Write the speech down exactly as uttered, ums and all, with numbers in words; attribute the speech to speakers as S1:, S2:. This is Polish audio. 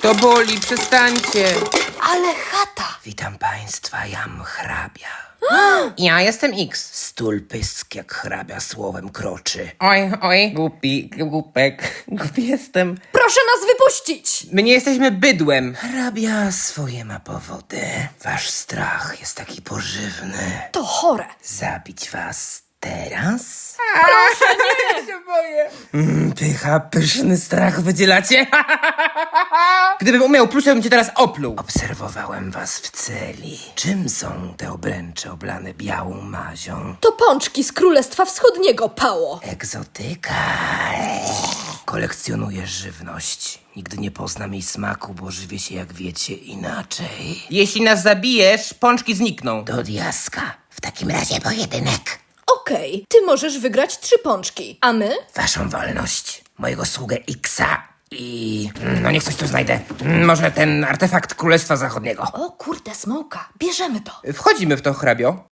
S1: To boli, przestańcie.
S2: Ale chata!
S3: Witam państwa, jam hrabia.
S1: Ja jestem X.
S3: Stul pysk jak hrabia słowem kroczy.
S1: Oj, oj, głupi, głupek, głupi jestem.
S2: Proszę nas wypuścić!
S1: My nie jesteśmy bydłem.
S3: Hrabia swoje ma powody. Wasz strach jest taki pożywny.
S2: To chore.
S3: Zabić was teraz?
S1: Ja się boję.
S3: Mm, pycha, pyszny strach wydzielacie.
S1: Gdybym umiał pluć, to bym cię teraz opluł.
S3: Obserwowałem was w celi. Czym są te obręcze oblane białą mazią?
S2: To pączki z Królestwa Wschodniego, pało.
S3: Egzotyka. Kolekcjonuję żywność. Nigdy nie poznam jej smaku, bo żywię się, jak wiecie, inaczej.
S1: Jeśli nas zabijesz, pączki znikną.
S3: Do diaska. W takim razie pojedynek.
S2: Okej, ty możesz wygrać trzy pączki, a my?
S3: Waszą wolność. Mojego sługę Xa. I... no niech coś tu znajdę. Mm, Może ten artefakt Królestwa Zachodniego.
S2: O kurde, smoka, bierzemy to.
S1: Wchodzimy w to, hrabio.